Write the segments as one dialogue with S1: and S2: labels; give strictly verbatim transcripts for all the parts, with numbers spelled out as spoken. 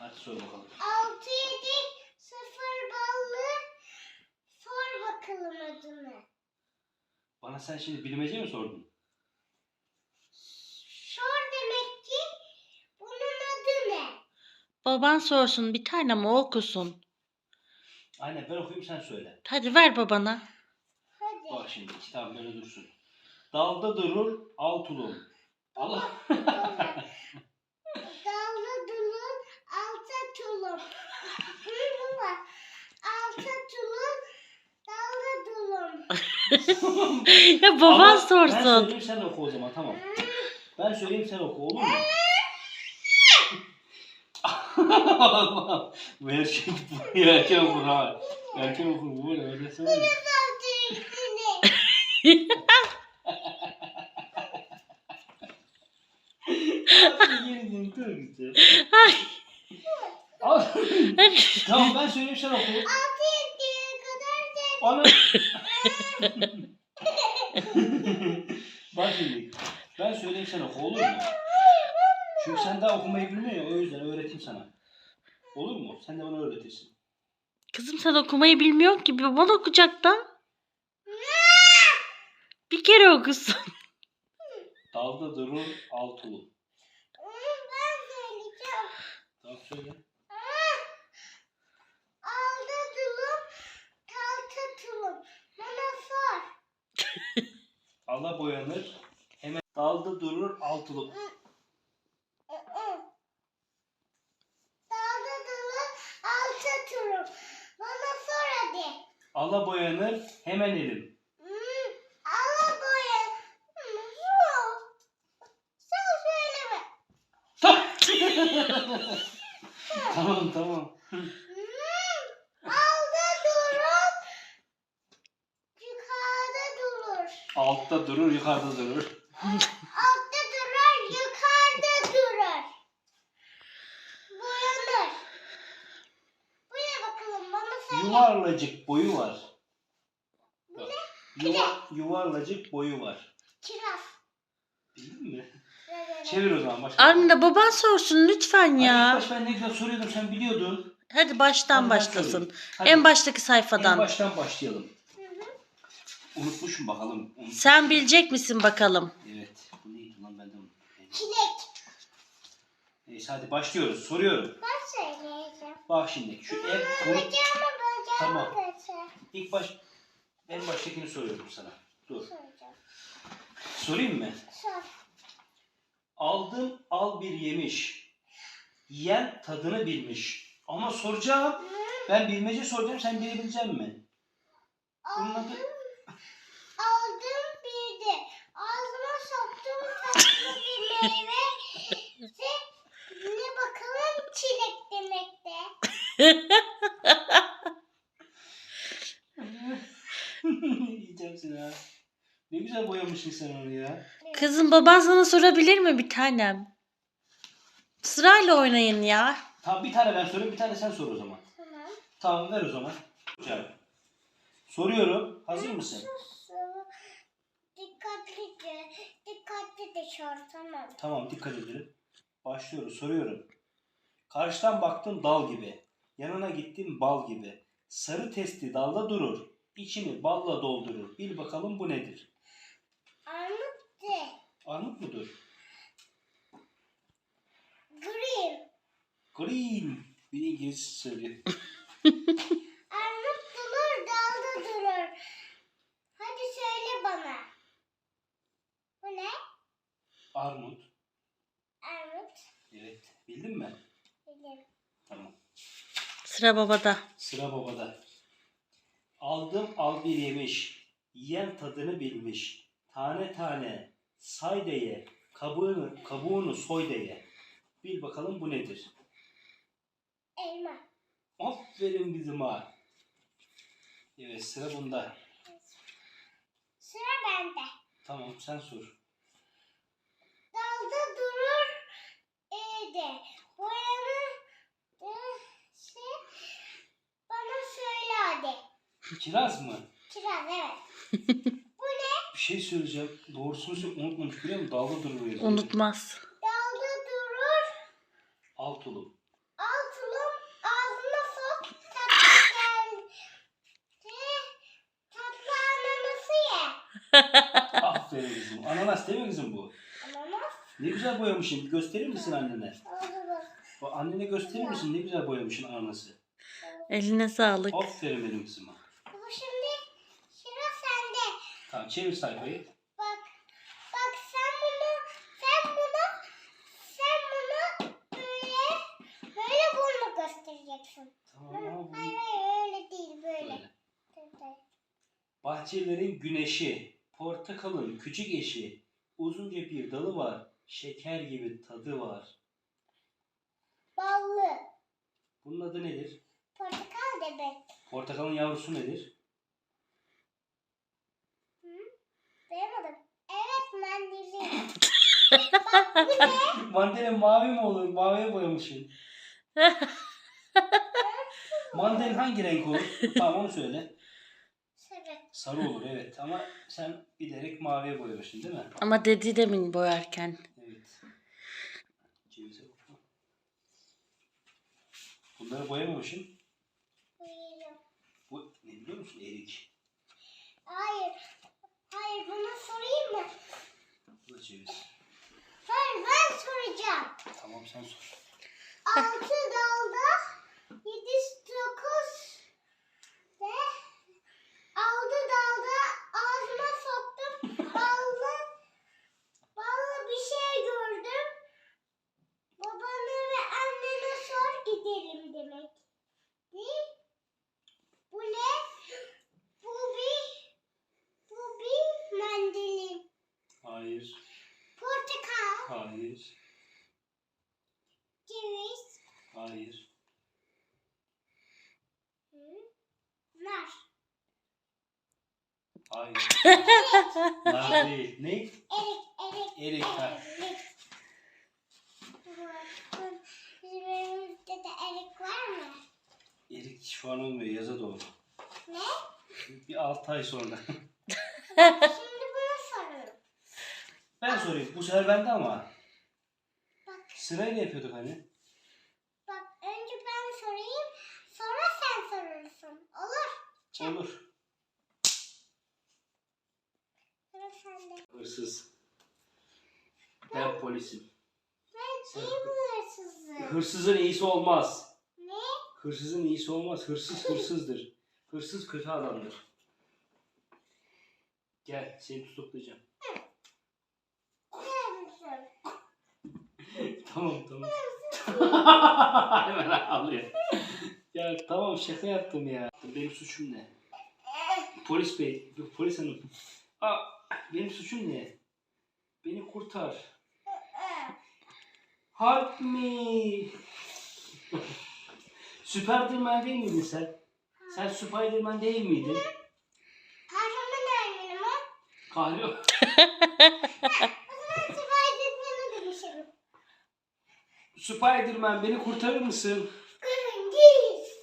S1: Hadi sor bakalım.
S2: altı yedi sıfır ballı sor bakalım adını.
S1: Bana sen şimdi bilmece mi sordun?
S2: Sor demek ki bunun adı ne?
S3: Baban sorsun bir tane mi okusun?
S1: Aynen, ben okuyayım sen söyle.
S3: Hadi ver babana.
S2: Hadi.
S1: Bak şimdi kitap böyle dursun. Dalda durur al tulum. Allah.
S2: Dallı dulun alta tulum. Baba. Alta tulum dallı dulum.
S3: Ya baban
S1: Ama Ben
S3: sorsun.
S1: söyleyeyim sen oku o zaman, tamam. Ben söyleyeyim sen oku, olur mu? Allah. Bu erkek bu erkek okur ha. Erkek okur bu böyle öyle söyleme.
S3: Ay.
S1: Al.
S3: Hadi.
S1: Tamam, ben söyleyeyim sen oku.
S2: Altı yediye kadar da
S1: Ana. Bak şimdi. Ben söyleyeyim sen oku, olur mu? Çünkü sen daha okumayı bilmiyorsun ya, o yüzden öğreteyim sana. Olur mu? Sen de bana öğretirsin.
S3: Kızım sen okumayı bilmiyorsun ki. Baban okuyacak da. Bir kere okusun.
S1: Dalda durur al tulum.
S2: ben söyleyeceğim.
S1: Tamam söyle.
S2: Alda tulum, talta tulum. Bana sor.
S1: Allah boyanır. Hemen dalda durur al tulum.
S2: Dalda tulum, alta tulum. Bana sor hadi.
S1: Allah boyanır hemen elim.
S2: Hmm, ala boya. Hmm, sor. Sen söyleme.
S1: Tamam tamam.
S2: Hmm, alda durur, yukarıda durur.
S1: Altta durur yukarıda durur.
S2: Altta durur, yukarıda durur. Boyanır. Bu ne bakalım bana söyle.
S1: Yuvarlacık boyu var. Bak, Yuva, yuvarlacık boyu var.
S2: Kiraz.
S1: Bildin mi?
S2: Evet.
S1: Çevir o zaman başka.
S3: Anne baban sorsun lütfen
S1: Hani ilk
S3: ya.
S1: baş ben ne güzel soruyordum, sen biliyordun.
S3: Hadi baştan
S1: Hadi ben
S3: başlasın.
S1: söyleyeyim. Hadi.
S3: En baştaki
S1: En
S3: sayfadan.
S1: baştan başlayalım.
S2: Hı hı.
S1: Unutmuşum bakalım. Unut-
S3: Sen bilecek misin bakalım?
S1: Evet. Bu neydi lan, ben de unuttum.
S2: Çilek.
S1: Neyse hadi başlıyoruz. Soruyorum.
S2: Ben söyleyeceğim.
S1: Bak şimdi şu ev
S2: Bacağımı
S1: unut.
S2: bacağımı
S1: Tamam.
S2: götür.
S1: İlk baş en baştakini soruyorum sana. Dur.
S2: Soracağım.
S1: Sorayım mı?
S2: Sor.
S1: Aldım al bir yemiş. Yiyen tadını bilmiş. Ama soracağım. Ben bilmece soracağım, sen bilebilecek mi? Bunun
S2: Aldım.
S1: adı...
S2: Aldım bir de. Ağzıma soktum tatlı bir meyve. Ve ne bakalım çilek demekte.
S1: Yiyeceğim seni ha. Ne güzel boyamışsın sen onu ya.
S3: Kızım baban sana sorabilir mi bir tanem? Sırayla oynayın ya.
S1: Tamam, bir tane ben sorayım, bir tane sen sor o zaman.
S2: Tamam.
S1: Tamam, ver o zaman. Hocam. Soruyorum. Hazır mısın?
S2: Sus. Dikkatlice. Dikkatli de sor tamam.
S1: Tamam, dikkat edelim. Başlıyoruz. Soruyorum. Karşıdan baktım dal gibi. Yanına gittim bal gibi. Sarı testi dalda durur. İçini balla doldurur. Bil bakalım bu nedir?
S2: Armut de.
S1: Armut mudur?
S2: Green.
S1: Green. Bir İngiliz söylüyor.
S2: Armut durur, dalda durur. Hadi söyle bana. Bu ne?
S1: Armut.
S2: Armut.
S1: Evet. Bildin mi?
S2: Bilirim.
S1: Tamam.
S3: Sıra babada.
S1: Sıra babada. Aldım al bir yemiş. Yiyen tadını bilmiş. Tane tane say de ye. Kabuğunu, kabuğunu soy de ye. Bil bakalım bu nedir?
S2: Elma.
S1: Aferin bizim ha. Evet, sıra bunda.
S2: Sıra bende.
S1: Tamam, sen sor.
S2: Dalda durur, evde. Boyanır, şey, bana söyle hadi.
S1: Kiraz mı?
S2: Kiraz evet.
S1: Bir şey söyleyeceğim. Doğrusunu söyle, unutmamış biliyor musun? Dalga duruyor.
S3: Unutmaz.
S2: Dalda durur,
S1: Al tulum.
S2: alt
S1: Aferin kızım. Ananas değil mi kızım bu?
S2: Ananas.
S1: Ne güzel boyamışsın. Gösterir misin annene?
S2: Oldu bak.
S1: Bu annene gösterir misin? Ne güzel boyamışsın ananası.
S3: Eline sağlık.
S1: Aferin benim kızıma.
S2: Baba şimdi sıra sende.
S1: Tamam çevir sayfayı.
S2: Bak. Bak sen bunu, sen bunu, sen bunu böyle, böyle bunu göstereceksin.
S1: Tamam ama bu
S2: Hayır hayır öyle değil böyle.
S1: böyle.
S2: Böyle.
S1: Bahçelerin güneşi, portakalın küçük eşi, uzunca bir dalı var, şeker gibi tadı var.
S2: Ballı.
S1: Bunun adı nedir?
S2: Portakal demek.
S1: Portakalın yavrusu nedir?
S2: Duyamadım. Evet mandalina. Bak bu ne?
S1: Mandalina mavi mi olur? Maviye boyamışsın. Mandalina hangi renk olur? Tamam onu söyle.
S2: Sarı.
S1: Sarı olur evet ama sen bilerek maviye boyamışsın değil mi?
S3: Ama dedi demin boyarken.
S1: Evet. Cevize bakma. Bunları boyamamışsın.
S2: Buyurun.
S1: Bu ne biliyor musun? Erik.
S2: Hayır. Hayır bunu sorayım mı?
S1: Bu da ceviz.
S2: Hayır ben soracağım.
S1: Tamam sen sor.
S2: Altı dalda yedi dokuz ve altı dalda ağzıma soktum. Ballı, ballı bir şey gördüm. Babana ve annene sor gidelim demek. Değil? Bu ne? Bu bir, bu bir mandalin.
S1: Hayır.
S2: Portakal,
S1: Hayır.
S2: ceviz,
S1: Hayır.
S2: hı, nar.
S1: Hayır. Nar değil. Ne?
S2: Erik, erik,
S1: Erik, ha.
S2: erik. Bakın, bizim evimizde de erik var mı?
S1: Erik şu an olmuyor. Yaza doğru.
S2: Ne?
S1: Bir altı ay sonra.
S2: Şimdi bunu soruyorum.
S1: Ben sorayım. Bu sefer bende ama.
S2: Bak,
S1: Sırayla yapıyorduk hani.
S2: bak önce ben sorayım, sonra sen sorursun. Olur.
S1: Olur.
S2: Sıra sende.
S1: Hırsız. Ben polisim.
S2: Ben iyi bu hırsızı.
S1: Hırsızın iyisi olmaz.
S2: Ne?
S1: Hırsızın iyisi olmaz. Hırsız hırsızdır. Hırsız kötü adamdır. Gel seni tutuklayacağım.
S2: Neredesin?
S1: Tamam tamam. Hemen ağlıyor. Ya tamam şaka yaptım ya. Benim suçum ne? Polis bey, polis hanım. Aa, benim suçum ne? Beni kurtar. Help me. Spiderman değil miydin sen? Sen Spiderman değil miydin?
S2: Kahraman öğretmenim o.
S1: Kahraman.
S2: O zaman Spiderman'ı demişim.
S1: Spiderman beni kurtarır mısın?
S2: Gırıngız.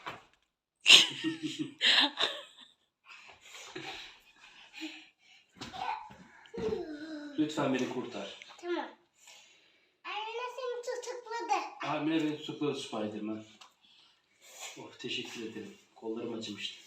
S1: Lütfen beni kurtar.
S2: Tamam. Anne seni tutukladı.
S1: Hamile beni tutukladı Spiderman. Oh teşekkür ederim. Kollarım acımıştı.